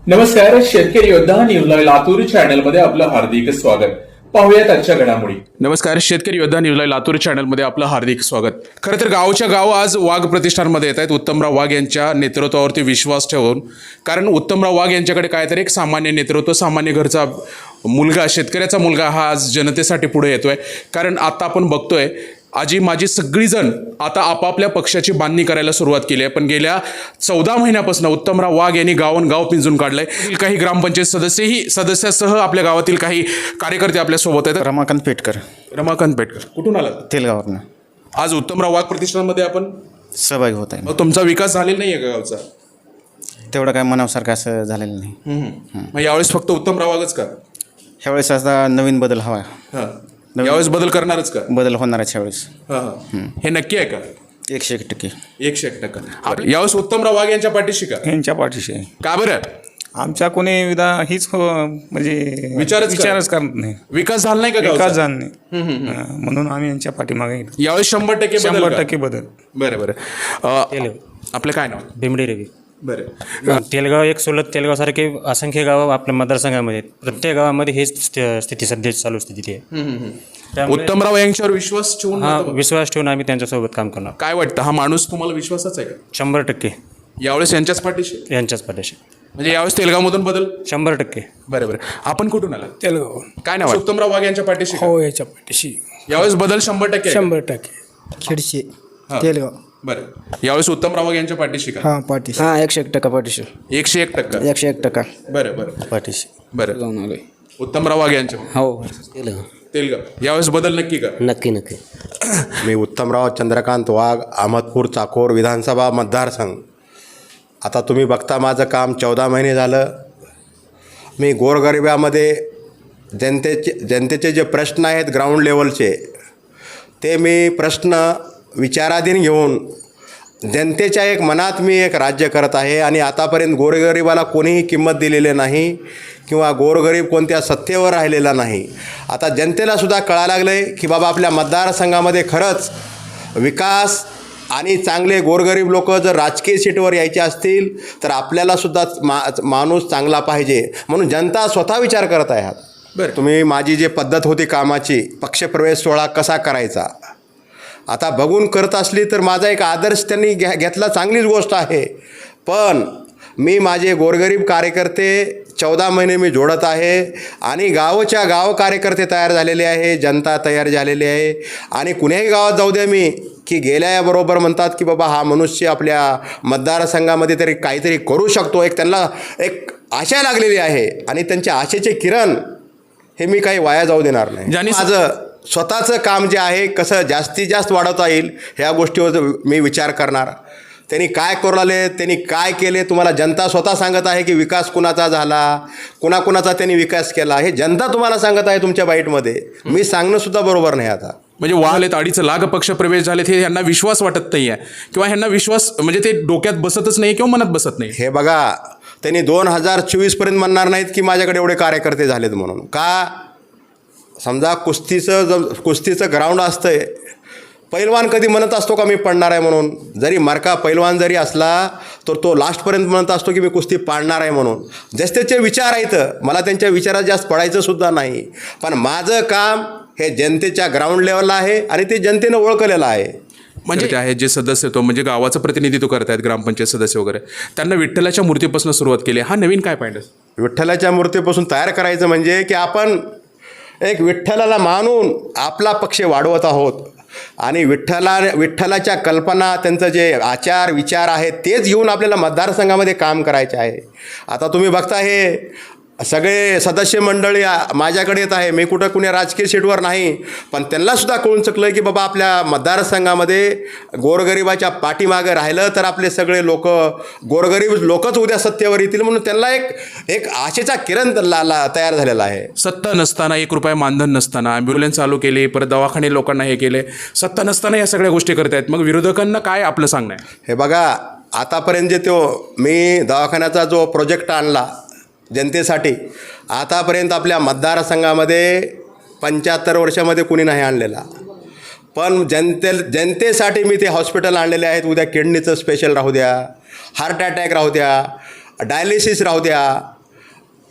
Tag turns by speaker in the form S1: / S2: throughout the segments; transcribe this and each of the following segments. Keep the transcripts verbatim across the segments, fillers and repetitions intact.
S1: नमस्कार. शेतकरी योद्धा न्यूज लाईव्ह लातूर चॅनलमध्ये आपलं हार्दिक स्वागत. पाहूयात आजच्या घडामोडी. नमस्कार. शेतकरी योद्धा न्यूज लाईव्ह लातूर चॅनलमध्ये आपलं हार्दिक स्वागत. खरं तर गावच्या गाव आज वाघ प्रतिष्ठानमध्ये येत आहेत उत्तमराव वाघ यांच्या नेतृत्वावरती विश्वास ठेवून. कारण उत्तमराव वाघ यांच्याकडे काय तर एक सामान्य नेतृत्व, सामान्य घरचा मुलगा, शेतकऱ्याचा मुलगा हा आज जनतेसाठी पुढे येतोय. कारण आता आपण बघतोय आजी माझी सगळीजण आता आपापल्या पक्षाची बांधणी करायला सुरुवात केली आहे. पण गेल्या चौदा महिन्यापासून उत्तमराव वाघ यांनी गावोन गाव पिंजून काढलंय. काही ग्रामपंचायत सदस्यही सदस्यासह आपल्या गावातील काही कार्यकर्ते आपल्या सोबत आहेत.
S2: रमाकांत पेटकर.
S1: रमाकांत पेटकर कुठून आलात?
S2: तेलगाववरनं.
S1: आज उत्तमराव वाघ प्रतिष्ठानमध्ये आपण
S2: सहभागी होत आहे.
S1: मग तुमचा विकास झालेला नाही आहे का गावचा?
S2: तेवढं काय मनासारखं असं झालेलं नाही.
S1: मग यावेळेस फक्त उत्तमराव वाघच का?
S2: ह्यावेळेस आता नवीन बदल हवा.
S1: हां, यावेळेस बदल करणारच का?
S2: बदल होणार आहे ह्यावेळेस.
S1: हां हां, हे नक्की आहे का?
S2: एकशे एक टक्के
S1: एकशे एक टक्का. आपल्या- यावेळेस उत्तमराव वाघ यांच्या पाठीशी का?
S3: यांच्या पाठीशी आहे.
S1: का बरं?
S3: आमच्या कोणी विधा हीच हो म्हणजे
S1: विचारच
S3: विचारच करत नाही.
S1: विकास झाला नाही का
S3: विकास
S1: गावचा?
S3: झाला नाही. हा, म्हणून आम्ही यांच्या पाठीमागे येतो.
S1: यावेळेस शंभर टक्के बदल
S3: शंभर
S1: का?
S3: टक्के बदल.
S1: बरं बरं. अ, आपलं काय नाव?
S4: भिमडी रवी.
S1: बरं.
S4: तेलगाव एक सोलत तेलगावसारखे असंख्य गावं आपल्या मतदारसंघामध्ये आहेत. प्रत्येक गावामध्ये हेच स्थ- स्थिती सध्या चालू स्थिती आहे. त्यामुळे
S1: उत्तमराव यांच्यावर विश्वास ठेवून
S4: हा
S1: मत-
S4: विश्वास ठेवून आम्ही त्यांच्यासोबत काम करणार.
S1: काय वाटतं, हा माणूस तुम्हाला विश्वासाच आहे का?
S4: शंभर टक्के
S1: यावेळेस यांच्याच पाठीशी?
S4: यांच्याच पाठीशी
S1: म्हणजे यावेळेस तेलगावमधून बदल?
S4: शंभर टक्के.
S1: बरं बरं. आपण कुठून आला?
S5: तेलगाव.
S1: काय नाव? उत्तमराव वाघ यांच्या पाठीशी का?
S5: हो, याच्या पाठीशी
S1: यावेळेस बदल शंभर टक्के आहे का?
S5: शंभर टक्के.
S6: खिडशी
S1: हा.
S6: तेलगाव.
S1: बरं. यावेळेस उत्तमराव वाघ यांच्या पाठीशी का?
S6: हा पाठीशी. हा एकशे एक टक्का पाठीशी.
S1: एकशे एक टक्का.
S6: एकशे एक टक्का
S1: बरं बरं
S6: पाठीशी.
S1: बरं.
S6: जाऊन आलोय.
S1: उत्तमराव वाघ यांच्या
S6: हो.
S1: तेलगाव यावेळेस बदल नक्की का?
S6: नक्की नक्की.
S7: मी उत्तमराव चंद्रकांत वाघ, अहमदपूर चाकोर विधानसभा मतदारसंघ. आता तुम्ही बघता माझं काम चौदा महिने झालं. मी गोरगरिबामध्ये जनतेचे जनतेचे जे प्रश्न आहेत ग्राउंड लेवलचे, ते मी प्रश्न विचाराधीन घेऊन जनतेच्या एक मनात मी एक राज्य करत आहे. आणि आतापर्यंत गोरगरिबाला कोणीही किंमत दिलेली नाही किंवा गोरगरीब कोणत्या सत्तेवर राहिलेला नाही. आता जनतेलासुद्धा कळायला लागलं आहे की बाबा आपल्या मतदारसंघामध्ये खरंच विकास आणि चांगले गोरगरीब लोक जर राजकीय सीटवर यायचे असतील तर आपल्यालासुद्धा मा माणूस चांगला पाहिजे. म्हणून जनता स्वतः विचार करत आहे.
S1: बरं.
S7: तुम्ही माझी जी पद्धत होती कामाची, पक्षप्रवेश सोहळा कसा करायचा, आता बघून करत असली तर माझा एक आदर्श त्यांनी घ्या घेतला, चांगलीच गोष्ट आहे. पण मी माझे गोरगरीब कार्यकर्ते चौदा महिने मी जोडत आहे आणि गावच्या गाव कार्यकर्ते तयार झालेले आहे, जनता तयार झालेली आहे. आणि कुण्याही गावात जाऊ द्या मी की गेल्याबरोबर म्हणतात की बाबा हा मनुष्य आपल्या मतदारसंघामध्ये तरी काहीतरी करू शकतो. एक त्यांना एक आशा लागलेली आहे आणि त्यांच्या आशेचे किरण हे मी काही वाया जाऊ देणार नाही.
S1: ज्यांनी-
S7: माझं स्वतःचं काम जे आहे कसं जास्तीत जास्त वाढवता येईल ह्या गोष्टीवर मी विचार करणार. त्यांनी काय करू लागले, त्यांनी काय केले, तुम्हाला जनता स्वतः सांगत आहे की विकास कुणाचा झाला, कुणाकुणाचा त्यांनी विकास केला, हे जनता तुम्हाला सांगत आहे तुमच्या बाईटमध्ये. मी सांगणंसुद्धा बरोबर नाही. आता
S1: म्हणजे वाहलेत अडीच लाख पक्ष प्रवेश झालेत, हे यांना विश्वास वाटत नाही आहे किंवा ह्यांना विश्वास म्हणजे ते डोक्यात बसतच नाही किंवा मनात बसत नाही.
S7: हे बघा, त्यांनी दोन हजार चोवीसपर्यंत म्हणणार नाहीत की माझ्याकडे एवढे कार्यकर्ते झालेत म्हणून. का? समजा कुस्तीचं ज कुस्तीचं ग्राउंड असतं आहे, पैलवान कधी म्हणत असतो का मी पडणार आहे म्हणून? जरी मार्का पैलवान जरी असला तर तो लास्टपर्यंत म्हणत असतो की मी कुस्ती पाडणार आहे म्हणून. जसे त्याचे विचार आहेत, मला त्यांच्या विचारात जास्त पडायचं सुद्धा नाही. पण माझं काम हे जनतेच्या ग्राउंड लेवलला आहे आणि ते जनतेनं ओळखलेलं आहे.
S1: म्हणजे आहे जे सदस्य तो म्हणजे गावाचं प्रतिनिधित्व करतायत, ग्रामपंचायत सदस्य वगैरे, त्यांना विठ्ठलाच्या मूर्तीपासून सुरुवात केली. हा नवीन काय पॉईंट आहे?
S7: विठ्ठलाच्या मूर्तीपासून तयार करायचं म्हणजे की आपण एक विठ्ठलाला मानून आपला पक्ष वाढवत आहोत आणि विठ्ठला विठ्ठलाच्या कल्पना, त्यांचं जे आचार विचार आहेत तेच घेऊन आपल्याला मतदारसंघामध्ये काम करायचे आहे. आता तुम्ही बघता हे सगळे सदस्य मंडळी माझ्याकडे येत आहे. मी कुठं कुणी राजकीय सीटवर नाही, पण त्यांनासुद्धा कळून चुकलं की बाबा आपल्या मतदारसंघामध्ये गोरगरिबाच्या पाठीमागं राहिलं तर आपले सगळे लोक गोरगरीब लोकच उद्या सत्तेवर येतील. म्हणून त्यांना एक एक आशेचा किरण ला ला तयार झालेला आहे.
S1: सत्ता नसताना, एक रुपया मानधन नसताना ॲम्ब्युलन्स चालू केली, परत दवाखाने लोकांना हे केले, सत्ता नसताना या सगळ्या गोष्टी करतायत. मग विरोधकांना काय आपलं सांगणं आहे?
S7: हे बघा, आतापर्यंत जे तो मी दवाखान्याचा जो प्रोजेक्ट आणला जनतेसाठी, आतापर्यंत आपल्या मतदारसंघामध्ये पंच्याहत्तर वर्षामध्ये कुणी नाही आणलेला. पण जनते जनतेसाठी मी ते हॉस्पिटल आणलेले आहेत. उद्या किडनीचं स्पेशल राहू द्या, हार्ट अटॅक राहू द्या, डायलिसिस राहू द्या,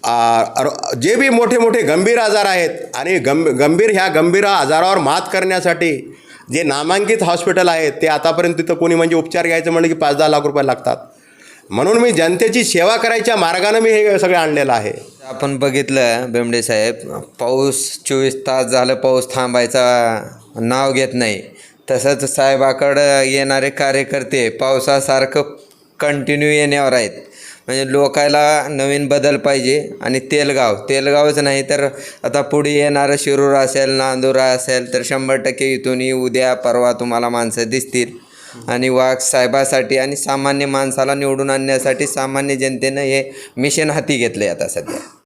S7: आ, अर- जे बी मोठे मोठे गंभीर आजार आहेत आणि गंभ गंभीर ह्या गंभीर आजारावर मात करण्यासाठी जे नामांकित हॉस्पिटल आहेत ते आतापर्यंत तिथं कोणी म्हणजे उपचार घ्यायचं म्हणलं की पाच दहा लाख रुपये लागतात. म्हणून मी जनतेची सेवा करायच्या मार्गानं मी हे सगळं आणलेलं आहे.
S5: आपण बघितलं बेंबडे साहेब, पाऊस चोवीस तास झालं पाऊस थांबायचा नाव घेत नाही. तसंच साहेबाकडं येणारे कार्यकर्ते पावसासारखं कंटिन्यू येण्यावर आहेत. म्हणजे लोकायला नवीन बदल पाहिजे. आणि तेलगाव तेलगावच नाही तर आता पुढे येणारं शिरूर असेल, नांदुरा असेल तर शंभर टक्के इथूनही उद्या परवा तुम्हाला माणसं दिसतील. आणि वाघ साहेबासाठी आणि सामान्य माणसाला निवडून आणण्यासाठी सामान्य जनतेनं हे मिशन हाती घेतलं आहे आता सध्या.